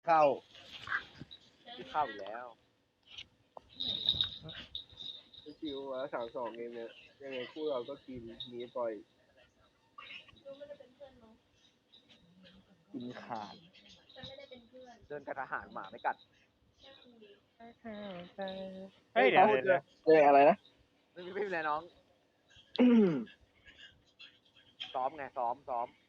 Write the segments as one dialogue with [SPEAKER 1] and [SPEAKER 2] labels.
[SPEAKER 1] เข้า
[SPEAKER 2] ที่เข้าอยู่แล้ว
[SPEAKER 3] ชิวมา3-2เองเนี่ยยังไงคู่เราก็กินมีปล่อย
[SPEAKER 4] ดูไม่ได้เป็นเพื่อนน้อง
[SPEAKER 1] กินขาด
[SPEAKER 4] ฉันไม่ได้เป็นเพื่อน
[SPEAKER 2] เดินกับทหารหมาไม่กัด
[SPEAKER 4] แค่คุย
[SPEAKER 5] เฮ้ยเดี๋ยวเดี๋ยว
[SPEAKER 3] อะไรนะ
[SPEAKER 2] ไม่มีอะไรน้องซ้อมไงซ้อม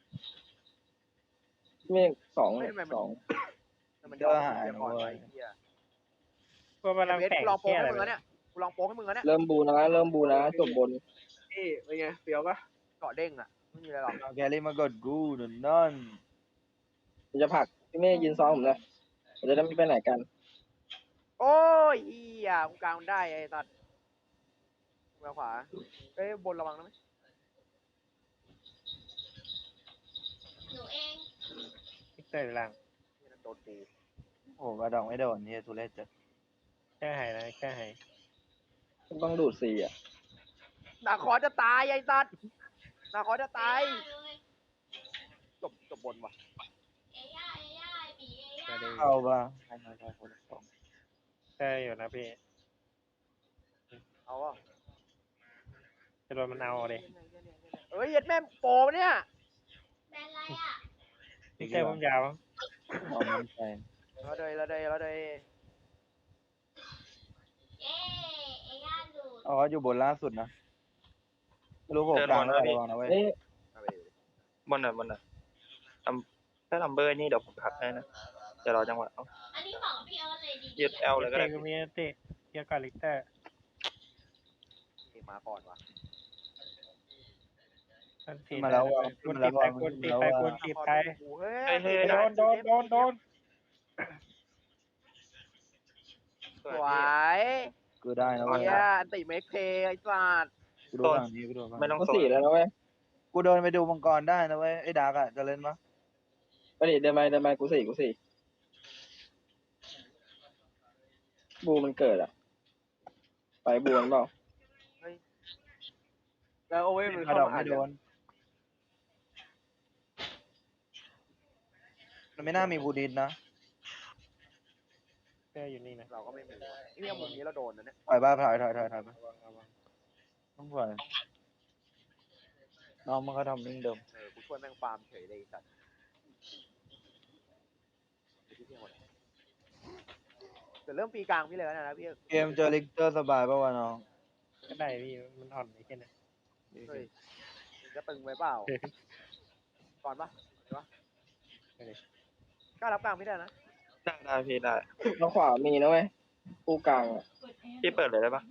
[SPEAKER 3] เมฆ2
[SPEAKER 2] แต่มันยอมเสียก่อนไว้เฮีย
[SPEAKER 5] พวกมันรัง
[SPEAKER 2] เบส
[SPEAKER 5] แตก
[SPEAKER 2] กูลองโป๊
[SPEAKER 5] แค่
[SPEAKER 2] ก
[SPEAKER 5] อะไร
[SPEAKER 2] ให้มึงแล้วเนี่ยกูลองโป๊กให้มึงแล้วเนี่ย
[SPEAKER 3] เริ่มบูนะจบบนเป็นไงเฟี้ยวปะ
[SPEAKER 2] เกาะเด้งอ่ะไม่มีอะไรหรอก
[SPEAKER 1] เอาแกลี่มากดกูนั่น
[SPEAKER 3] ผมจะผลักพี่เมฆยืนซ้อมผมเลยเราจะได้ไม่ไปไหนกัน
[SPEAKER 2] โอ้ยเฮียกูกลางมันได้ไอ้ตัดมือขวาเอ้ยบนระวังนะไหม
[SPEAKER 4] หนูเอง
[SPEAKER 5] พิกเตอร์หลัง
[SPEAKER 2] โดนกู
[SPEAKER 1] โอ้กระดองไม่โดนนี่ทุเรศจัด
[SPEAKER 5] แค่หายนะแค่หาย
[SPEAKER 3] ต้องดูดซีอ่ะ
[SPEAKER 2] นาคอจะตายไอ้ตัดนาคอจะตาย
[SPEAKER 4] เลย
[SPEAKER 2] จบบนว่ะ
[SPEAKER 4] เอย่าปีเอย่า
[SPEAKER 1] เข้าป่ะใช่คนละสอง
[SPEAKER 5] แค่อยู่นะพี่
[SPEAKER 2] เอาอ่ะ
[SPEAKER 5] จะโดนมันเอาเลย
[SPEAKER 2] เอ้ยเย็ดแม่โปเนี่ย
[SPEAKER 4] แบนอะไรอ่ะ
[SPEAKER 5] พิกเตอร์ผมยาว
[SPEAKER 1] เอามันไป
[SPEAKER 2] เราเลย
[SPEAKER 4] เอย่าดูด
[SPEAKER 1] อ๋ออยู่บนล่าสุดนะไม่รู้โผล่กลางแล้วระวังนะเว้ย
[SPEAKER 3] นี่
[SPEAKER 6] บนถ้าลัมเบอร์นี่เดี๋ยวผมพักให้นะจะรอจังหวะเอา
[SPEAKER 4] อันนี้ของพี่เอิร์ธเลยดี
[SPEAKER 6] ยืดเอลเลยก็
[SPEAKER 5] เตะ
[SPEAKER 6] ได้
[SPEAKER 5] ก็มีเตะเยอะกว่าลิกเตอร์
[SPEAKER 2] มาก่อนว่ะ
[SPEAKER 5] มันตี
[SPEAKER 1] มาแล้ววะ
[SPEAKER 5] คน
[SPEAKER 1] มา
[SPEAKER 5] ตี
[SPEAKER 1] แล้ว
[SPEAKER 5] ไป
[SPEAKER 1] วะ
[SPEAKER 5] คนตีไปคนตีไป
[SPEAKER 2] เฮ้
[SPEAKER 6] เฮ้
[SPEAKER 2] ย
[SPEAKER 6] ย
[SPEAKER 5] โดน
[SPEAKER 2] สวย
[SPEAKER 1] กูได้นะเว้ย
[SPEAKER 2] เฮียอันติเมคเพย์ไอ้สัตว์
[SPEAKER 1] กูดูฝั่งนี้กูดูฝั่ง
[SPEAKER 6] ไม่
[SPEAKER 1] นี้
[SPEAKER 6] ต้อง
[SPEAKER 3] ก็
[SPEAKER 6] โซน
[SPEAKER 3] 4แล้วนะเว้ย
[SPEAKER 1] กูเดินไปดูมังกรได้นะเว้ยไอ้ดาร์กอะจะเล่นปะ
[SPEAKER 3] ไปดิเดินไปกู4บูมันเกิดอ่ะไปบูมันเปล่า
[SPEAKER 2] แล้วโอ้ยมัน
[SPEAKER 1] กระ
[SPEAKER 2] เข้า
[SPEAKER 1] ดอง
[SPEAKER 2] มา
[SPEAKER 1] ไม่โดนมันไม่น่ามีบูดินนะ
[SPEAKER 5] เตอร์อยู่นี่นะ
[SPEAKER 2] เราก็ไม่มีนี่มุมนี้เราโดนนะเนี่ย
[SPEAKER 1] ถอยบ้าถอยไปต้องถอยน้องมันก็ทำนิ่งเดิม
[SPEAKER 2] กูช่วยแม่งฟาร์มเฉยเลยสัตว์แต่เริ่มปีกลางพี่เลยนะพี่
[SPEAKER 1] เกมเจอลิกเตอร์สบายป่าวะน้อง
[SPEAKER 5] ก็ได้พี่มันอ่อนไอ้แค่นั้น
[SPEAKER 2] เฮ้ยจะตึงไว้เปล่าก่อนปะเดี๋ยวกล้ารับกลางพี่ได้นะ
[SPEAKER 6] ได้พี่ได้
[SPEAKER 3] ทางขวามีนะเว้ยคู่กลางอ่ะ
[SPEAKER 6] พี่เปิดเลยได้ปะ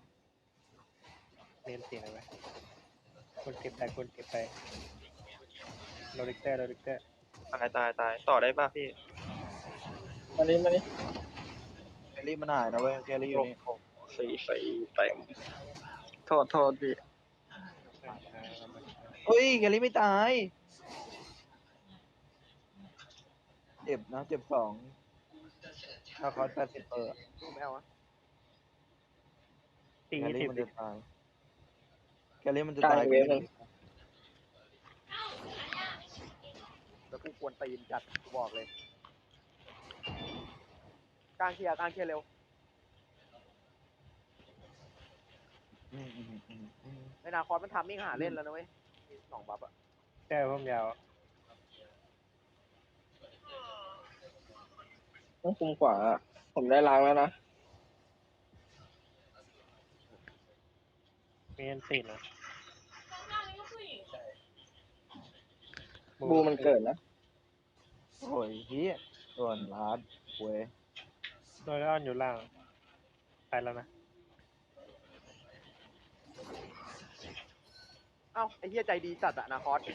[SPEAKER 5] เล่นเสียงอะไรคนเก็บไปคนเก็บไปโรลิกเตอร์
[SPEAKER 6] ตายต่อได้ปะพี่
[SPEAKER 3] มานี่
[SPEAKER 1] แคลรี่มันหายนะเว้ยแคลรี่อยู่นี่
[SPEAKER 6] 4เต็มโทษพี่
[SPEAKER 1] เฮ้ยแคลรี่ไม่ตายเจ็บนะเจ็บ2ถ้าคอร์ส80
[SPEAKER 2] ดูไม่เอาอะ
[SPEAKER 5] ตี
[SPEAKER 1] แคลรี่
[SPEAKER 5] 20
[SPEAKER 1] มันจะตายแคลรี่มันจะ
[SPEAKER 3] กลาง
[SPEAKER 1] ตาย
[SPEAKER 3] อีกเวฟหนึ่ง
[SPEAKER 2] แล้วกูควรตีนจัดกูบอกเลยกลางเคลียร์เร็วในนาคอสมันทำมิ่งหาเล่นแล้วนะเว้ย2 บัฟอะ
[SPEAKER 5] เตอร์ผมยาว
[SPEAKER 3] ต้องคุมขวาอะผมได้ล้างแล้วนะ
[SPEAKER 5] มีอันตีนะ
[SPEAKER 4] ข้างๆนี่ก็ผู้หญิง
[SPEAKER 3] บูมันเกิดนะ
[SPEAKER 1] โอ้ยเฮียส่วนลาดเว้ย
[SPEAKER 5] โดยอ้อนอยู่ล่างไปแล้วนะ
[SPEAKER 2] เอ้าไอ้เหี้ยใจดีจัดอะนาคอส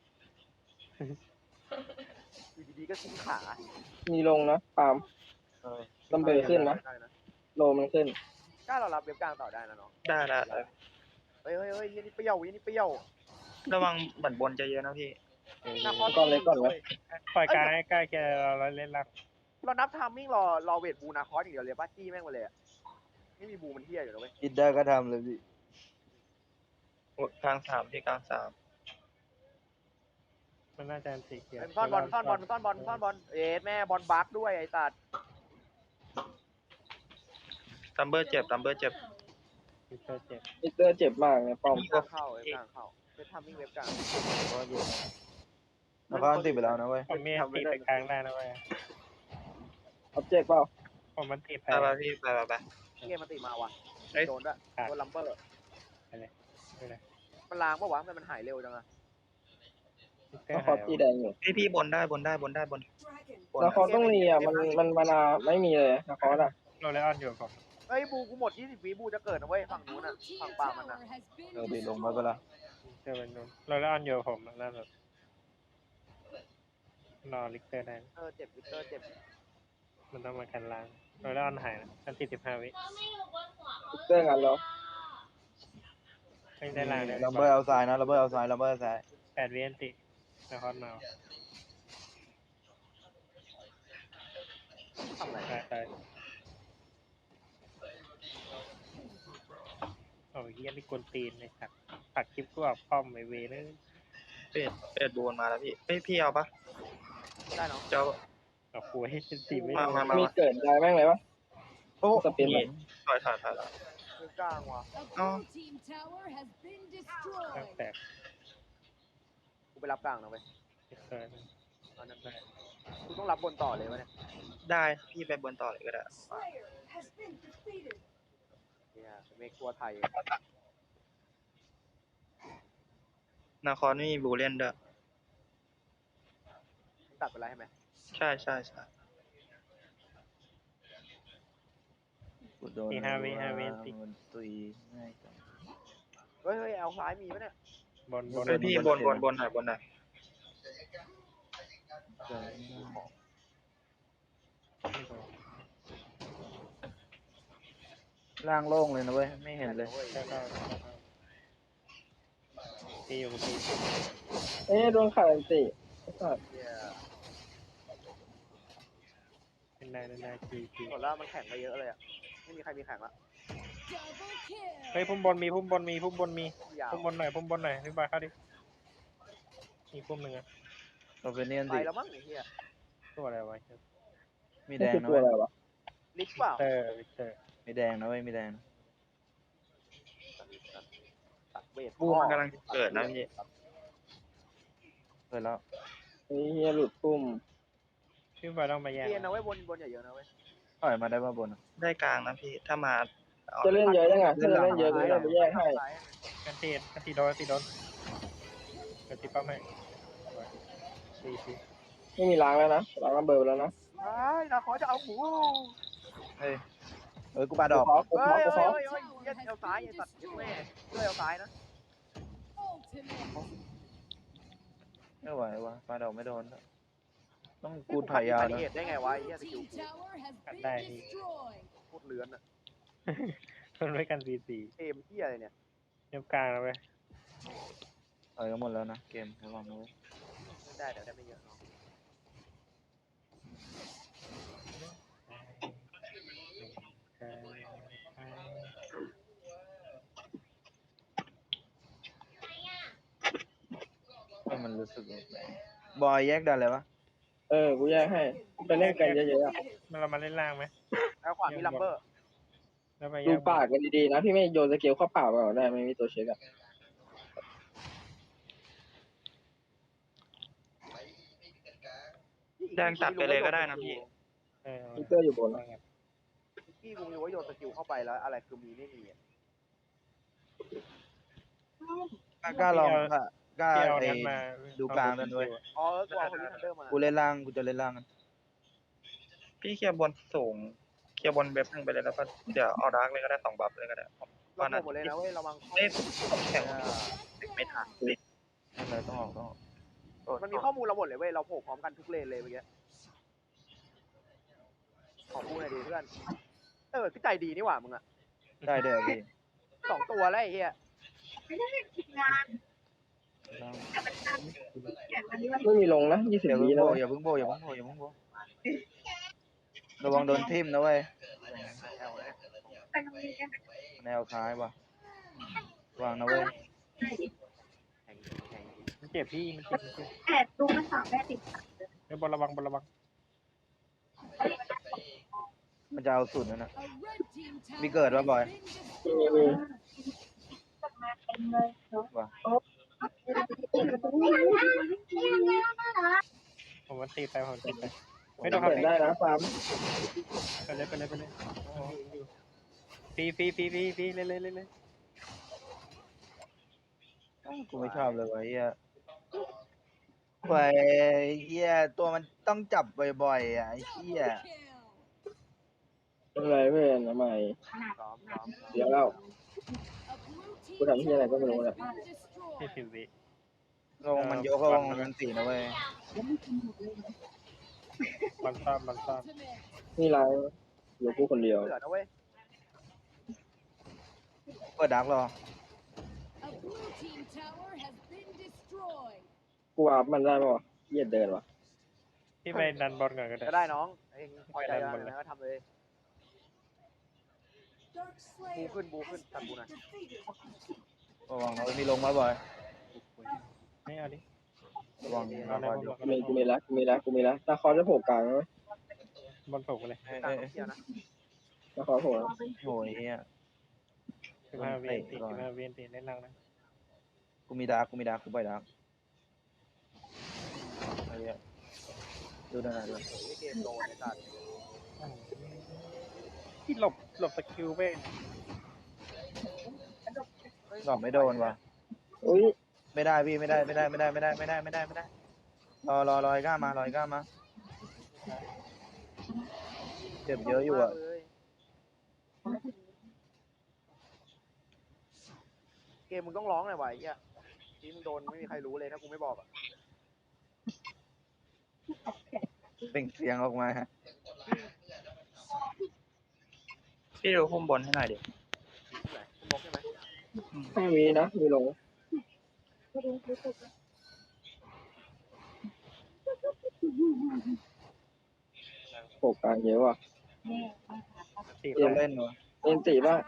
[SPEAKER 2] อยู่ดีๆก็ทิ้งขา
[SPEAKER 3] มีลงนะปาล์ม
[SPEAKER 1] เอ้ย
[SPEAKER 3] ลำเบอร์ขึ้นนะ
[SPEAKER 2] ได้นะ
[SPEAKER 3] โลมันขึ้น
[SPEAKER 2] กล้าเรารับเว็บกลางต่อได้นะน้อง
[SPEAKER 6] ได้
[SPEAKER 2] เฮ้ยยี่นี่เปรี้ยวยี่นี่เปรี้ยว
[SPEAKER 6] ระวังบั่นบนจะเยอะนะพี่
[SPEAKER 2] นาคอส
[SPEAKER 3] ก่อนเลยก่อนเลย
[SPEAKER 5] ปล่อยกลางให้ใกล้แกเราเล่นรัก
[SPEAKER 2] เรานับทามมิ่งรอเวทบูนาคอสอย่างเดียวเลยป้าจี้แม่งมาเลยอะไม่มีบูมันเที่ยอยู่นะเว้ย
[SPEAKER 1] คิดได้ก็ทำเลยพี่
[SPEAKER 6] กลาง3พี่กลาง3
[SPEAKER 5] โรมันน่าจะสีเขียว
[SPEAKER 2] ซ่อนบอลซ่อนบอลซ่อนบอลซ่อนบอลเอ๊ะแม่บอลบักด้วยไอ้สัตว์
[SPEAKER 6] ตัมเบอร์เจ็บตัมเบอร์เจ็บ
[SPEAKER 5] มิสเตอร์เจ็บ
[SPEAKER 3] มิสเตอร์เจ็บมากเนี่ยป้อม
[SPEAKER 2] กลางเข้าเว็บกลางเข้าเว็บทำวิ่งเว็บกลาง
[SPEAKER 1] ก็อยู่นครติดไปแล้วนะเว้ย
[SPEAKER 5] ผมมีอันตีไปกลางได้นะเว้ย
[SPEAKER 3] ออบเจกต์เปล่า
[SPEAKER 5] ผมมันตีไป
[SPEAKER 6] ไปพี่ไป
[SPEAKER 2] เกมมันตีมาว่ะ
[SPEAKER 6] เอ้ย
[SPEAKER 2] โดนด้วยโดนลัมเบอร์
[SPEAKER 5] ไปเลย
[SPEAKER 2] มันล้างปะวะทำไมมันหายเร็วจังอะ
[SPEAKER 5] มิสเตอ
[SPEAKER 3] น
[SPEAKER 5] ร์
[SPEAKER 3] ค
[SPEAKER 5] หาร ย
[SPEAKER 3] ตีแดงอยู่
[SPEAKER 6] พี่บนได้บนบน
[SPEAKER 3] นครต้องรีอ่ะมันมานาไม่มีเลยนครอ่ะ
[SPEAKER 5] โรเลออนอยู่ผม
[SPEAKER 2] เฮ้ยบูกูหมด20วิบูจะเกิดนะเว้ยฝั่งนู้นน่ะฝั่งป่ามันน่ะ
[SPEAKER 1] บีลงมาก็ละ
[SPEAKER 5] เจอเป็นนู้นโรเลออนอยู่ผมล่าสุดรอลิกเตอร์ได้
[SPEAKER 2] เจ็บวิกเตอร์เจ็บ
[SPEAKER 5] มันต้องมากันล้างโรเลออนหายนะอันตี15 วิ
[SPEAKER 4] เราไม่อยู่บนหัวเขา
[SPEAKER 3] มิสเตอร์งานแล้ว
[SPEAKER 5] ไม่ได้ล้างเลย
[SPEAKER 1] ลัมเบอร์เอาซ้ายนะลัมเบอร์เอาซ้ายลัมเบอร์ซ้าย
[SPEAKER 5] 8 วิอันตินครมา
[SPEAKER 2] ทำอะไร
[SPEAKER 5] ตายโอ้ยเฮียนี่กวนตีนเลยครับปักคลิปกูออกป้อมไอเวเลย
[SPEAKER 6] เป็ดบนมาแล้วพี่พี่เอาปะ
[SPEAKER 2] ได้เนาะ
[SPEAKER 6] เจ้า
[SPEAKER 5] เอาคุยให้ตีไม่
[SPEAKER 6] มา
[SPEAKER 5] ได้
[SPEAKER 3] มีเกิดได้แม่งเลยวะ
[SPEAKER 1] โอ้
[SPEAKER 3] สปินแบบ
[SPEAKER 6] ถอย
[SPEAKER 2] เว็บกลางว่ะ
[SPEAKER 5] ตั้งแต่
[SPEAKER 2] กูไปรับกลางนะเว้ย
[SPEAKER 5] มิสเตอร์
[SPEAKER 2] เอานั่นได้กูต้องรับบนต่อเลยวะเนี่ย
[SPEAKER 6] ได้พี่ไปบนต่อเลยก็ได้
[SPEAKER 2] เนี่ยเมกตัวไทย
[SPEAKER 6] นาครไม่มีบูเล่นด้วย
[SPEAKER 2] ตัดไปแล้วใช่ไหม
[SPEAKER 6] ใช่
[SPEAKER 1] กูโดนมันตุยง่ายจัง
[SPEAKER 2] เฮ้ยเอาซ้ายมีปะเนี่ย
[SPEAKER 5] บน
[SPEAKER 6] เฮ้ยพี่บนหน่อยบนหน่อย
[SPEAKER 1] ล่างโล่งเลยนะเว้ยไม่เห็นเลย
[SPEAKER 5] แล้วก็ตีอยู่ตี
[SPEAKER 3] โดนขาดอันติ
[SPEAKER 2] เนี่ย
[SPEAKER 5] เป็นได้คี
[SPEAKER 2] หมดแล้วมันแข่งไปเยอะเลยอะไม่มีใครมีแข่งละ
[SPEAKER 5] เฮ้ยพุ่มบนมีพุ่มบน
[SPEAKER 2] ยาว
[SPEAKER 5] พุ่มบนหน่อยพี่บอยเข้าดิมีพุ่มหนึ่งอะ
[SPEAKER 1] เราเป็นเนียน
[SPEAKER 2] ไป
[SPEAKER 1] ติ
[SPEAKER 2] แล้วมั้งไอ้เหี้ย
[SPEAKER 5] ตัวอะไรวะ
[SPEAKER 1] มี
[SPEAKER 3] นี่
[SPEAKER 1] แดง
[SPEAKER 3] คือ
[SPEAKER 1] นะ
[SPEAKER 3] ตัว
[SPEAKER 1] เว้ย
[SPEAKER 3] อะไรวะ
[SPEAKER 2] ลิกเปล่า
[SPEAKER 5] วิกเตอร์
[SPEAKER 1] มีแดงนะเว้ยมีแดง
[SPEAKER 2] ตัดเวท
[SPEAKER 6] บูมันกำลังเกิดนะพี่
[SPEAKER 1] เกิดแล้ว
[SPEAKER 3] เฮียหลุดปุ่ม
[SPEAKER 5] พี่บอยต้องมาแย่ง
[SPEAKER 2] เรียนนะเว้ยบนอย่าเยอะนะเว้ย
[SPEAKER 1] ถอยมาได้มาบน
[SPEAKER 6] ได้กลางนะพี่ถ้ามาเอา
[SPEAKER 3] จะเล่นเยอะยังไงถ้าจะเล่นเยอะก็จะไปแยกให้
[SPEAKER 5] กันตีโดนกันตีป้อมให้ตี
[SPEAKER 3] ไม่มีล้างแล้วนะล้างระเบิดแล้วนะ
[SPEAKER 2] ไอ้นาคอจะเอาหู
[SPEAKER 1] เฮ้ยกูปาดอก
[SPEAKER 3] กูขอ
[SPEAKER 2] เหี้ยเอาซ้ายไอ้สัตว์เหี้ยแม่ด้วยเอาซ้ายนะ
[SPEAKER 1] ไม่ไหววะปาดอกไม่โดนต้องกูถอยยาว
[SPEAKER 2] นะ
[SPEAKER 1] นะ
[SPEAKER 2] เหตุได้ไงวะไอ้เหี้ยสกิล
[SPEAKER 5] กันได้ที
[SPEAKER 2] โคตรเลื้อนอะ
[SPEAKER 5] ทนไว้กันตี
[SPEAKER 2] เกมเหี้ยอะไรเนี่ย
[SPEAKER 5] เนียบกลางแล้วเว้ย
[SPEAKER 1] ถอยกันหมดแล้วนะเกมระวังนะเว้ย
[SPEAKER 2] ไม่ได้แต่ได้ไม่เยอะเนาะ
[SPEAKER 1] มันรู้สึกบอยแยกดันเลยวะ
[SPEAKER 3] กูแยกให้ไปเล่นกันเยอะๆอะ
[SPEAKER 5] เรามาเล่นล่างไหม
[SPEAKER 2] แล้วขวามีลัมเบอร์
[SPEAKER 5] แล้วไป
[SPEAKER 3] ดูปากกันดีๆนะพี่ไม่โยนสเกลเข้าเปล่าเปล่าได้ไม่มีตัวเช็คอะ
[SPEAKER 6] แดงตัดไปเลยก็ได้นะพี่
[SPEAKER 3] มิสเตอร์อยู่บน
[SPEAKER 2] พี่กูรู้ว่าโยนสกิลเข้าไปแล้วอะไรคือมีไม่มีอะ
[SPEAKER 1] กล้าลองกล้า
[SPEAKER 5] เที่ยว
[SPEAKER 1] ไอ้
[SPEAKER 5] นั้นมา
[SPEAKER 1] ดูกลางนั่นด้วย
[SPEAKER 2] อ๋อกูเอาคนที่ทันเดอร์มา
[SPEAKER 1] กูเล่นล่างกูจะเล่นล่างกัน
[SPEAKER 6] พี่เคลียร์บนสูงเคลียร์บนเว็บหนึ่งไปเลยแล้วก็เดี๋ยวเอาดาร์กเลยก็ได้2 บัฟเลยก็ได้
[SPEAKER 2] เราโผล่หมดเลยนะเว้ยระวังเข้า
[SPEAKER 6] เล่นแข่งไม่ทัน
[SPEAKER 1] นั่นเลยต้องออก
[SPEAKER 2] มันมีข้อมูลเราหมดเลยเว้ยเราโผล่พร้อมกันทุกเลนเลยเมื่อกี้ขอพูดหน่อยดีเพื่อนคือใจดีนี่หว่ามึงอะ
[SPEAKER 1] ได้เด้อพี่
[SPEAKER 2] 2 ตัวแล้วไอ้เหี้ย
[SPEAKER 3] ไม่มีลงนะ20
[SPEAKER 1] อย่า
[SPEAKER 3] วิ
[SPEAKER 1] เพิ่ง
[SPEAKER 3] นะ
[SPEAKER 1] โบอย่าเพิ่งโบระวังโดนทิ่มนะเว้ยแนวซ้ายว่ะวางนะเว้ย
[SPEAKER 2] แข่ง
[SPEAKER 5] เจ็บพี่มันเจ็บ
[SPEAKER 7] แต่ตู้มันสามแม่ติด
[SPEAKER 5] เฮ้ยบอลระวังบอลระวัง
[SPEAKER 1] มันจะเอาสุดนั่นนะมีเกิดป่ะบอย
[SPEAKER 3] มี
[SPEAKER 1] ว่ะ
[SPEAKER 5] ผมมันตีไปผมตีไป
[SPEAKER 3] ไม่ต้องเปิดได้นะฟาร์ม
[SPEAKER 5] ไปเลยไปเลยไปเลยฟีเลย
[SPEAKER 1] กูไม่ชอบเลยวะเฮียไปเฮียตัวมันต้องจับบ่อยๆอ่ะไอ้เฮีย
[SPEAKER 3] เป็นไรเพื่อนทำไม
[SPEAKER 2] ซ้อม
[SPEAKER 3] เดี๋ยวแล้วกูทำที่อะไรก็ไม่รู้แหละ
[SPEAKER 5] 40 วิ
[SPEAKER 1] ลงมันยกก็ลงมันตีนะเว้ย
[SPEAKER 5] มันซ่อม
[SPEAKER 3] นี่ไรอยู่กูคนเดียว
[SPEAKER 2] เหลือนะเว้ย
[SPEAKER 1] เปิดดักรอ
[SPEAKER 3] กูวาร์ปมันได้ป่ะเยียดเดินวะ
[SPEAKER 5] พี่ไปดันบอลก่อนก็ได้
[SPEAKER 2] ก็ได้น้องเองพอใจแล้วนะก็ทำเลยบูขึ้นตัดบูหน่อย
[SPEAKER 1] ระวังนะมีลงมาบ่อย
[SPEAKER 5] ไม่เอาดิ
[SPEAKER 1] ระวัง
[SPEAKER 5] เอา
[SPEAKER 1] นะ
[SPEAKER 5] ใน
[SPEAKER 1] บอย
[SPEAKER 5] บอล
[SPEAKER 3] กูมีละตาคอจะโผล่กลางไหม
[SPEAKER 5] บอลโผล่ไปเลย
[SPEAKER 2] กลางเที่ยวนะ
[SPEAKER 3] ตาคอโผล่
[SPEAKER 1] โอ้ยเฮีย
[SPEAKER 5] 15 วิตีเล่นล่างนะ
[SPEAKER 1] กูมีดักกูปล่อยดักไอ้เหี้ยดูหน่อยดู
[SPEAKER 2] เกมโดนไอ้สัตว์
[SPEAKER 5] ที่หลบสกิลไป
[SPEAKER 1] หลอกไม่โดนว่ะ
[SPEAKER 3] อุ้ย
[SPEAKER 1] ไม่ได้พี่ไม่ได้รอไอ้ก้ามาเจ็บเยอะอยู่อ่ะ
[SPEAKER 2] เกมมึงต้องร้องหน่อยวะไอ้เหี้ยที่มึงโดนไม่มีใครรู้เลยถ้ากูไม่บอกอ่ะ
[SPEAKER 1] เปล่งเสียงออกมา
[SPEAKER 6] พี่ดูพุ่มบนให้หน่อยดิ
[SPEAKER 2] ที่ไหนกูบอกใช่ไหม
[SPEAKER 3] 5 วินะมีลงโผล่กลางเยอะว่ะ
[SPEAKER 5] ตี
[SPEAKER 1] เล่นเล่นวะ
[SPEAKER 3] เล่นตีบ้าง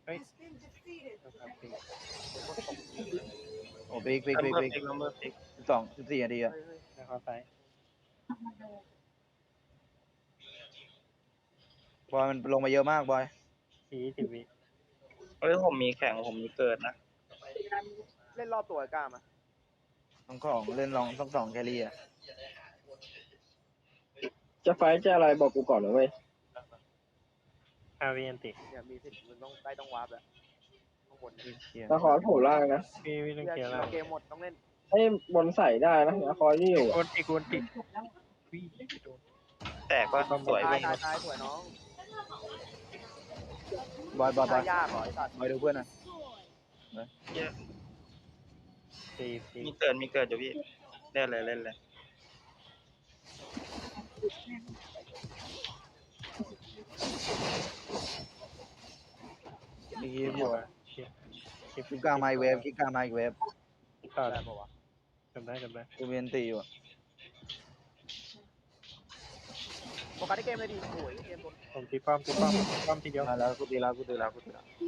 [SPEAKER 1] โอ้บิ๊ก
[SPEAKER 6] ลัมเบอร์ฟิก
[SPEAKER 1] 14 นาทีอ่ะ
[SPEAKER 2] เฮ้ย
[SPEAKER 5] นะครับซ้าย
[SPEAKER 1] บอยมันลงมาเยอะมากบอย
[SPEAKER 5] 40 วิ
[SPEAKER 6] เฮ้ยผมมีแข่งผมมีเกิดนะ
[SPEAKER 2] เล่นรอบตัวไอ้ก้ามา
[SPEAKER 1] ต้องของเล่นลองต้อง2แครี่อ่ะ
[SPEAKER 3] จะไฟจะอะไรบอกกูก่อนนะเว้ย
[SPEAKER 5] 5 วิอันติ
[SPEAKER 2] เนี่ยมีสิทธิ์มึงต้องวาร์ปแล้วข้างบนเนี่ย
[SPEAKER 1] เชี่ย
[SPEAKER 3] ตาคอโผล่ล่างนะ
[SPEAKER 5] พี่ต้องเคลียร์ล่าง
[SPEAKER 2] เกมหมดต้องเล่น
[SPEAKER 3] ให้บนใส่ได้นะตาคอที่อยู่
[SPEAKER 5] กวนติวิ่งโดน
[SPEAKER 6] แตกก็สวย
[SPEAKER 2] ตาย
[SPEAKER 6] พี่
[SPEAKER 2] ตายสวยน้อง
[SPEAKER 1] บอย
[SPEAKER 2] ตายยากเหรอไอ้สัตว์
[SPEAKER 1] บอยดูเพื่อนนะ
[SPEAKER 5] 40
[SPEAKER 6] มีเกิดอยู่พี่เล่นเลย
[SPEAKER 1] มีคลิปอยู่อ่ะ
[SPEAKER 5] คลิป
[SPEAKER 1] คลิปกลางไมค์เวฟคลิปกลางไมค์เวฟ
[SPEAKER 5] ต่อ
[SPEAKER 2] ได้ปะวะ
[SPEAKER 5] จำได้
[SPEAKER 1] กูมีอันตีอยู่อ่ะ
[SPEAKER 2] โฟกัสที่เกมเลยดิโอ้ยเกมโดน
[SPEAKER 5] ผมตีป้อมทีเดียว
[SPEAKER 1] มาแล้วกูตีแล้ว